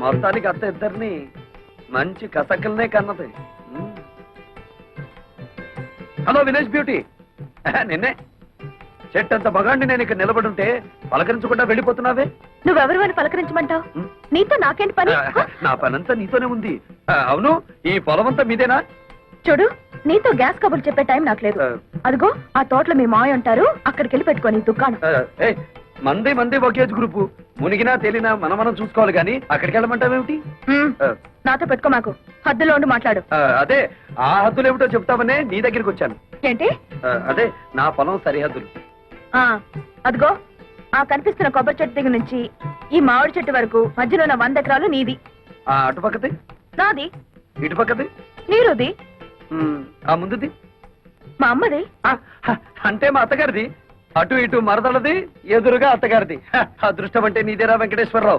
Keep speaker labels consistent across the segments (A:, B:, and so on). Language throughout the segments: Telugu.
A: మొత్తానికి అత్త ఇద్దరిని మంచి కసకల్నే కన్నది. హలో వినేష్ బ్యూటీ, నిన్నే చెట్టంత మగాండి నేను ఇక్కడ నిలబడుంటే పలకరించకుండా వెళ్ళిపోతున్నావే.
B: నువ్వెవరు అని పలకరించమంటావు? నీతో నాకేంటి పని?
A: నా పనంతా నీతోనే ఉంది. అవును, ఈ పొలం అంతా మీదేనా?
B: చూడు, నీతో గ్యాస్ కబుర్లు చెప్పే టైం నాకు లేదు. అదిగో ఆ తోటలో మీ మాయ ఉంటారు, అక్కడికి వెళ్ళి పెట్టుకోని దుకాణం.
A: మంది ఒకేజ్ గ్రూపు, మునిగినా తేలినా మనం చూసుకోవాలి గాని అక్కడికి వెళ్ళమంటావేమిటి?
B: నాతో పెట్టుకో, మాకు హద్దులో ఉండి మాట్లాడు.
A: అదే ఆ హద్దులు ఏమిటో చెప్తామనే నీ దగ్గరికి వచ్చాను.
B: ఏంటి?
A: అదే నా పొలం సరిహద్దులు.
B: అదిగో ఆ కనిపిస్తున్న కొబ్బరి చెట్టు దగ్గర నుంచి ఈ మామిడి చెట్టు వరకు మధ్యలో ఉన్న 100 ఎకరాలు నీది.
A: అటుపక్కది
B: నాది.
A: ఇటుపక్కది
B: నీరుది.
A: ఆ ముందుది
B: మా అమ్మది.
A: అంటే మా అత్తగారిది. అటు ఇటు మరదలది, ఎదురుగా అత్తగారిది. అదృష్టం అంటే నీదేరా వెంకటేశ్వరరావు.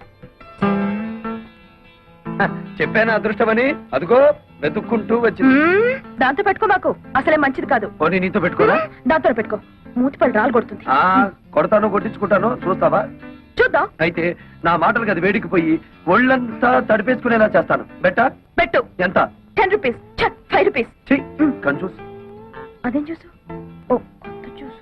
A: చెప్పాను అదృష్టమని, అదిగో వెతుక్కుంటూ వచ్చింది.
B: దాంతో పెట్టుకో, మాకు అసలే మంచిది కాదు.
A: పోనీ నీతో పెట్టుకోరా?
B: దాంతో పెట్టుకో, మూతిపళ్ళు రాలు కొడుతుంది.
A: కొడతాను, కొట్టించుకుంటాను, చూస్తావా?
B: చూద్దాం.
A: అయితే నా మాటలు అది వేడికిపోయి ఒళ్ళంతా తడిపేసుకునేలా చేస్తాను. పెట్టు. ఎంత?
B: 10 రూపీస్. 5 రూపీస్.
A: కన్ఫ్యూజ్.
B: అదేం చూసు? ఓ కొత్త చూసు.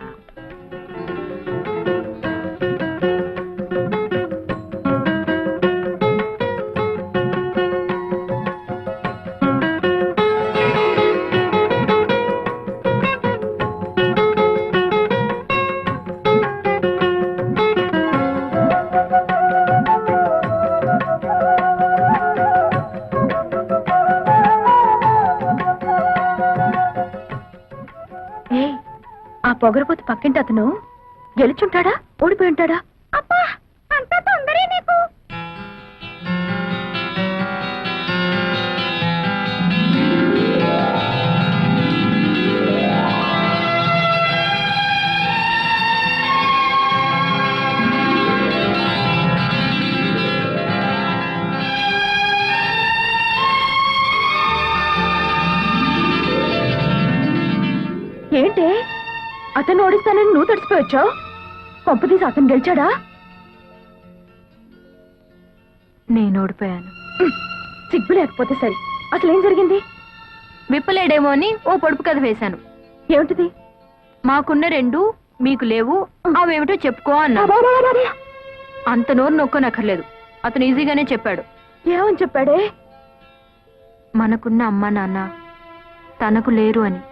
B: పొగరపోతు పక్కింటి అతను గెలుచుంటాడా, ఓడిపోయి ఉంటాడా? అబ్బా, అంత తొందరే నీకు. ఏంటి అతను ఓడిస్తానని నువ్వు తడిసిపోయొచ్చావు? కొంపదీసి అతను గెలిచాడా?
C: నేను ఓడిపోయాను.
B: సిగ్గు లేకపోతే సరే, అసలేం జరిగింది?
C: విప్పలేడేమో అని ఓ పొడుపు కథ వేశాను.
B: ఏమిటిది?
C: మాకున్న 2 మీకు లేవు, అవేమిటో చెప్పుకో అన్నా. అంత నోరు నొక్కనక్కర్లేదు, అతను ఈజీగానే చెప్పాడు.
B: ఏమని చెప్పాడే?
C: మనకున్న అమ్మా నాన్న తనకు లేరు అని.